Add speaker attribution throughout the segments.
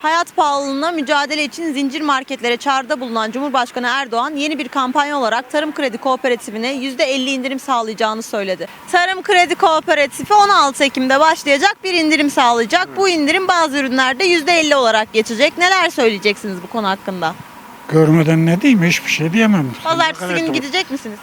Speaker 1: Hayat pahalılığına mücadele için zincir marketlere çağrıda bulunan Cumhurbaşkanı Erdoğan yeni bir kampanya olarak Tarım Kredi Kooperatifine %50 indirim sağlayacağını söyledi. Tarım Kredi Kooperatifi 16 Ekim'de başlayacak bir indirim sağlayacak. Bu indirim bazı ürünlerde %50 olarak geçecek. Neler söyleyeceksiniz bu konu hakkında?
Speaker 2: Görmeden ne diyeyim, hiçbir şey diyemem.
Speaker 1: Pazartesi günü gidecek misiniz?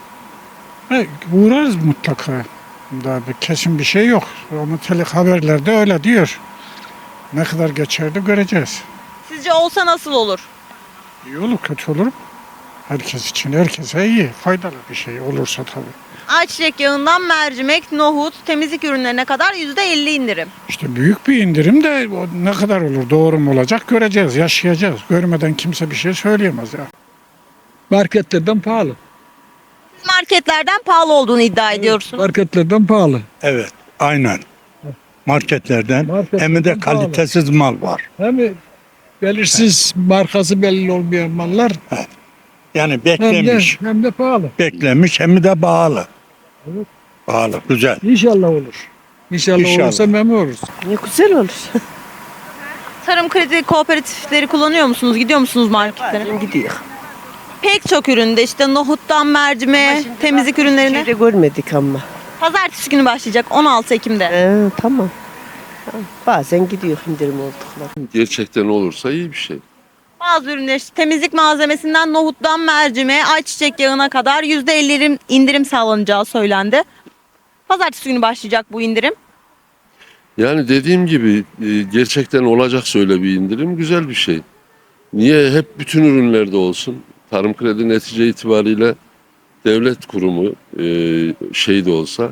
Speaker 2: Uğrarız mutlaka. Daha bir kesin bir şey yok. Ama haberlerde öyle diyor. Ne kadar geçer de göreceğiz.
Speaker 1: Sizce olsa nasıl olur?
Speaker 2: İyi olur, kötü olur mu? Herkes için, herkese iyi, faydalı bir şey olursa tabii.
Speaker 1: Ayçiçek yağından mercimek, nohut, temizlik ürünlerine kadar %50 indirim.
Speaker 2: İşte büyük bir indirim de o ne kadar olur, doğru mu olacak göreceğiz, yaşayacağız. Görmeden kimse bir şey söyleyemez ya.
Speaker 3: Marketlerden pahalı.
Speaker 1: Siz marketlerden pahalı olduğunu iddia ediyorsunuz.
Speaker 3: Marketlerden pahalı.
Speaker 4: Evet, aynen. Marketlerden hem de
Speaker 3: pahalı.
Speaker 4: kalitesiz mal var.
Speaker 3: Hem belirsiz, markası belli olmayan mallar
Speaker 4: Yani
Speaker 3: hem de,
Speaker 4: beklemiş,
Speaker 3: hem de pahalı.
Speaker 4: beklemiş hem de pahalı.
Speaker 3: Evet.
Speaker 4: Pahalı, güzel.
Speaker 3: İnşallah olur. İnşallah olursa memnun oluruz.
Speaker 5: Ne güzel olur.
Speaker 1: Tarım kredi kooperatifleri kullanıyor musunuz? Gidiyor musunuz marketlere?
Speaker 5: Gidiyor.
Speaker 1: Pek çok üründe işte nohuttan mercimeğe, temizlik ürünlerine.
Speaker 5: Şeyde görmedik ama.
Speaker 1: Pazartesi günü başlayacak 16 Ekim'de.
Speaker 5: Tamam. Tamam. Bazen gidiyor indirim oldukları.
Speaker 6: Gerçekten olursa iyi bir şey.
Speaker 1: Bazı ürünler işte temizlik malzemesinden nohuttan mercimeğe, ayçiçek yağına kadar %50 indirim sağlanacağı söylendi. Pazartesi günü başlayacak bu indirim.
Speaker 6: Yani dediğim gibi gerçekten olacaksa öyle bir indirim güzel bir şey. Niye hep bütün ürünlerde olsun? Tarım Kredi netice itibariyle devlet kurumu şey de olsa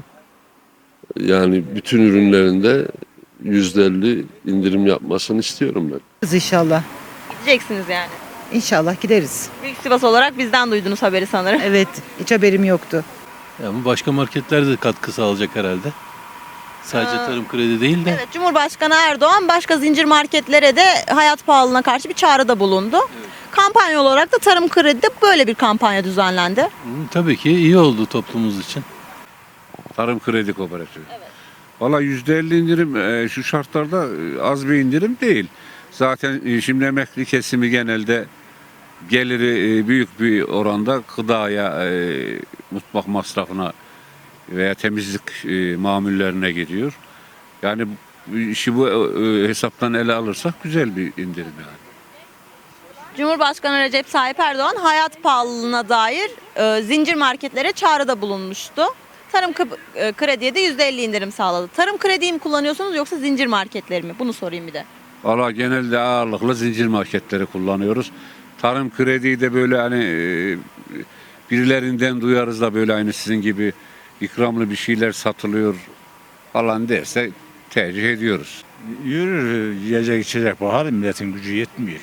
Speaker 6: yani bütün ürünlerinde %50 indirim yapmasını istiyorum ben.
Speaker 7: İnşallah.
Speaker 1: Gideceksiniz yani.
Speaker 7: İnşallah gideriz.
Speaker 1: Büyük Sivas olarak bizden duydunuz haberi sanırım.
Speaker 7: Evet, hiç haberim yoktu.
Speaker 8: Ama başka marketler de katkı sağlayacak herhalde. Sadece tarım kredi değil de.
Speaker 1: Evet, Cumhurbaşkanı Erdoğan başka zincir marketlere de hayat pahalılığına karşı bir çağrıda bulundu. Kampanya olarak da Tarım Kredi'de böyle bir kampanya düzenlendi.
Speaker 8: Tabii ki iyi oldu toplumumuz için.
Speaker 9: Tarım Kredi Kooperatifi. Evet. Valla %50 indirim şu şartlarda az bir indirim değil. Zaten şimdi emekli kesimi genelde geliri büyük bir oranda gıdaya, mutfak masrafına veya temizlik mamullerine gidiyor. Yani işi bu hesaptan ele alırsak güzel bir indirim yani.
Speaker 1: Cumhurbaşkanı Recep Tayyip Erdoğan hayat pahalılığına dair zincir marketlere çağrıda bulunmuştu. Tarım Kredi'ye de %50 indirim sağladı. Tarım Kredi'yi mi kullanıyorsunuz yoksa zincir marketleri mi? Bunu sorayım bir de.
Speaker 9: Valla genelde ağırlıklı zincir marketleri kullanıyoruz. Tarım Kredi'yi de böyle hani birilerinden duyarız da böyle aynı sizin gibi ikramlı bir şeyler satılıyor falan derse tercih ediyoruz.
Speaker 4: Yürür, yiyecek içecek pahalı, milletin gücü yetmiyor.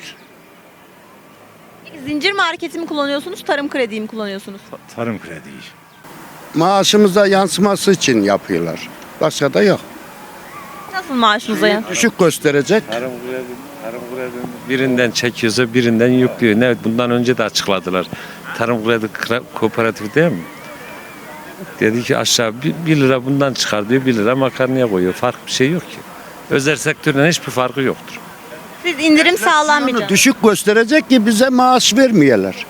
Speaker 1: Peki zincir marketi mi kullanıyorsunuz, Tarım Kredi'yi mi kullanıyorsunuz?
Speaker 4: Tarım krediyi.
Speaker 10: Maaşımıza yansıması için yapıyorlar. Başka da yok.
Speaker 1: Nasıl maaşınıza yani?
Speaker 10: Düşük gösterecek.
Speaker 11: Tarım kredi birinden çekiyorsa birinden yüklüyor. Ne bundan önce de açıkladılar. Tarım Kredi Kooperatifi değil mi? Dedi ki aşağı 1 lira bundan çıkar diyor, 1 lira makarnaya koyuyor. Fark bir şey yok ki. Özel sektörden hiçbir farkı yoktur.
Speaker 1: Siz indirim sağlanmayacak.
Speaker 10: Düşük gösterecek ki bize maaş vermeyeler.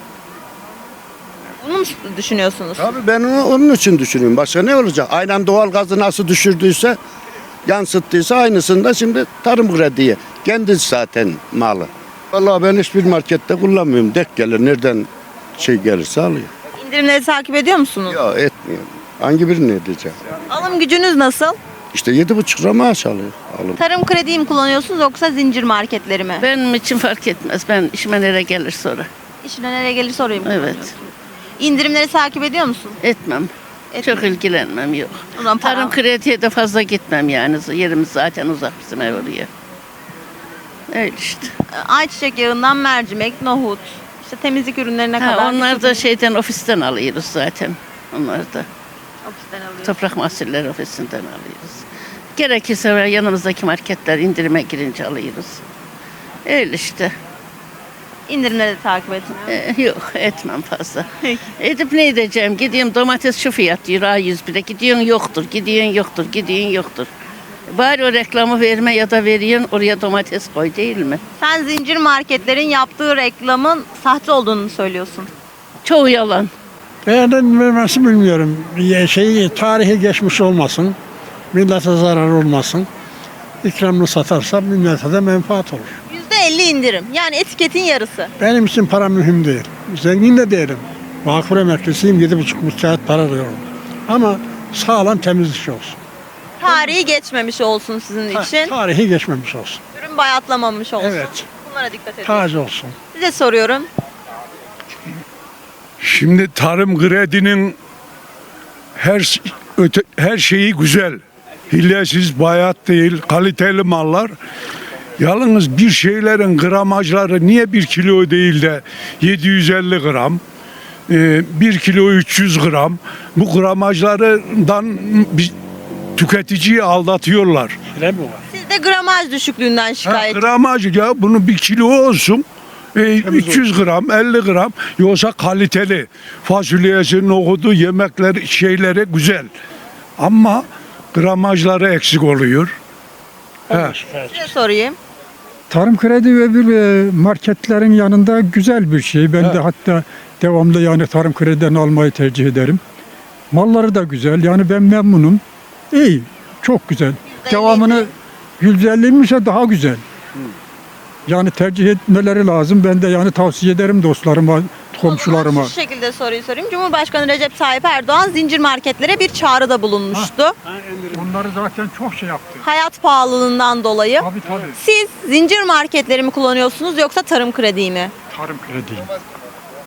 Speaker 1: Bunu mu düşünüyorsunuz?
Speaker 10: Tabii ben onun için düşünüyorum. Başka ne olacak? Aynen doğalgazı nasıl düşürdüyse, yansıttıysa aynısını da şimdi tarım krediye. Kendisi zaten malı. Vallahi ben hiçbir markette kullanmıyorum. Dek gelir nereden gelirse alıyor.
Speaker 1: İndirimleri takip ediyor musunuz?
Speaker 10: Ya etmiyor. Hangi birini edeceğim?
Speaker 1: Alım gücünüz nasıl?
Speaker 10: İşte 7,5 lira maaş alıyor. Alın.
Speaker 1: Tarım Kredi'yi mi kullanıyorsunuz yoksa zincir marketleri mi?
Speaker 12: Benim için fark etmez. Ben işime nereye gelir sonra.
Speaker 1: İşine nereye gelir sorayım.
Speaker 12: Evet.
Speaker 1: İndirimleri takip ediyor musun?
Speaker 12: Etmem. Çok ilgilenmem yok.
Speaker 1: O zaman
Speaker 12: Tarım krediye de fazla gitmem yani. Yerimiz zaten uzak bizim ev oraya. Öyle işte.
Speaker 1: Ayçiçek yağından mercimek, nohut, işte temizlik ürünlerine kadar.
Speaker 12: Onlar da şeyden ofisten alıyoruz zaten. Onlar da.
Speaker 1: Ofisten alıyoruz.
Speaker 12: Toprak Mahsulleri Ofisi'nden alıyoruz. Gerekirse yanımızdaki marketler indirime girince alıyoruz. Öyle işte.
Speaker 1: İndirimleri de takip etmiyor.
Speaker 12: Yok etmem fazla. Edip ne edeceğim? Gideyim domates şu fiyat diyor A101'e. Gidiyorsun yoktur, gidiyorsun yoktur, gidiyorsun yoktur. Bari o reklamı verme ya da veriyorsun oraya domates koy değil mi?
Speaker 1: Sen zincir marketlerin yaptığı reklamın sahte olduğunu söylüyorsun.
Speaker 12: Çoğu yalan.
Speaker 3: Beğenilmemesi bilmiyorum. Tarihi geçmiş olmasın. Millete zarar olmasın. İkramını satarsa millete de menfaat olur.
Speaker 1: %50 indirim. Yani etiketin yarısı.
Speaker 3: Benim için para mühim değil. Zengin de değilim. Vakıf emeklisiyim. 7,5 müstahit para alıyorum. Ama sağlam temiz iş olsun.
Speaker 1: Tarihi geçmemiş olsun sizin için.
Speaker 3: Tarihi geçmemiş olsun.
Speaker 1: Ürün bayatlamamış olsun.
Speaker 3: Evet.
Speaker 1: Bunlara dikkat edin.
Speaker 3: Taze olsun.
Speaker 1: Size soruyorum.
Speaker 13: Şimdi tarım kredinin her şeyi güzel. Hilesiz, bayat değil, kaliteli mallar. Yalnız bir şeylerin gramajları niye 1 kilo değil de 750 gram, 1 kilo 300 gram, bu gramajlardan tüketiciyi aldatıyorlar.
Speaker 3: Öyle mi var?
Speaker 1: Siz de gramaj düşüklüğünden şikayet.
Speaker 13: Gramaj ya bunu 1 kilo olsun. 300 gram, 50 gram yoksa kaliteli. Fasulyesi, nohudu, yemekleri, şeyleri güzel. Ama gramajları eksik oluyor.
Speaker 1: Size sorayım.
Speaker 3: Tarım kredi ve bir marketlerin yanında güzel bir şey. Ben de hatta devamlı yani tarım krediden almayı tercih ederim. Malları da güzel. Yani ben memnunum. İyi. Çok güzel. Devamını %50'ymişse daha güzel. Yani tercih etmeleri lazım. Ben de yani tavsiye ederim dostlarıma, komşularıma.
Speaker 1: Şu şekilde soruyu sorayım. Cumhurbaşkanı Recep Tayyip Erdoğan zincir marketlere bir çağrıda bulunmuştu.
Speaker 3: Onları zaten çok şey yaptı.
Speaker 1: Hayat pahalılığından dolayı.
Speaker 3: Tabii.
Speaker 1: Siz zincir marketleri mi kullanıyorsunuz yoksa tarım krediyi mi?
Speaker 3: Tarım kredi.